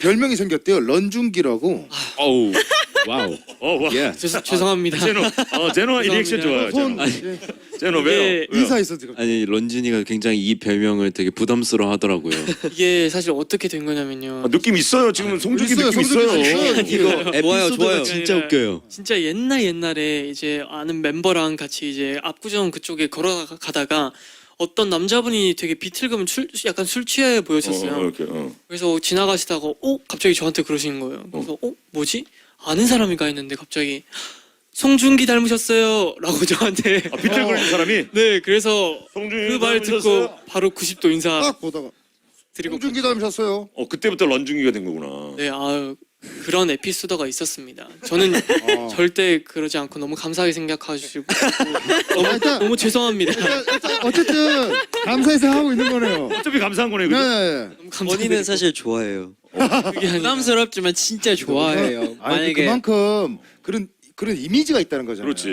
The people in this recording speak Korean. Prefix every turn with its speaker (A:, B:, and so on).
A: 별명이 생겼대요. 런중기라고.
B: 어우 와우.
C: 와.
B: 예.
D: 죄송합니다.
C: 제노 이 리액션 좋아요.
A: 손
C: 제노 왜요?
A: 인사했어 지금.
B: 아니 런쥔이가 굉장히 이 별명을 되게 부담스러워하더라고요.
D: 이게 사실 어떻게 된 거냐면요.
C: 느낌 있어요. 지금 송중기
A: 있어요,
C: 느낌
A: 송중기
C: 있어요.
A: 있어요.
B: 좋아요
D: 에피소드가
B: 진짜 웃겨요.
D: 진짜 옛날에 이제 아는 멤버랑 같이 이제 압구정 그쪽에 걸어가다가 어떤 남자분이 되게 비틀거면 약간 술 취해 보였었어요.
C: 이렇게.
D: 그래서 지나가시다가 갑자기 저한테 그러시는 거예요. 그래서 뭐지? 아는 사람인가 했는데 갑자기 송중기 닮으셨어요 라고 저한테
C: 비틀거리는 사람이
D: 네 그래서
C: 송중기
D: 그 말 듣고 바로 90도 인사
A: 딱 보다가
D: 드리고
A: 런중기 닮으셨어요.
C: 그때부터 런중기가 된 거구나.
D: 네 아유 그런 에피소드가 있었습니다. 저는 절대 그러지 않고 너무 감사하게 생각하시고 너무 죄송합니다.
A: 일단 어쨌든 감사해서 하고 있는 거네요.
C: 어차피 감사한 거네. 그죠?
A: 네.
D: 너무 감사드리고.
E: 본인은 사실 좋아해요.
D: 그게 아니라
E: 부담스럽지만 진짜 좋아해요.
A: 아니
E: 만약에
A: 그만큼 그런 이미지가 있다는 거잖아요.
C: 그렇지.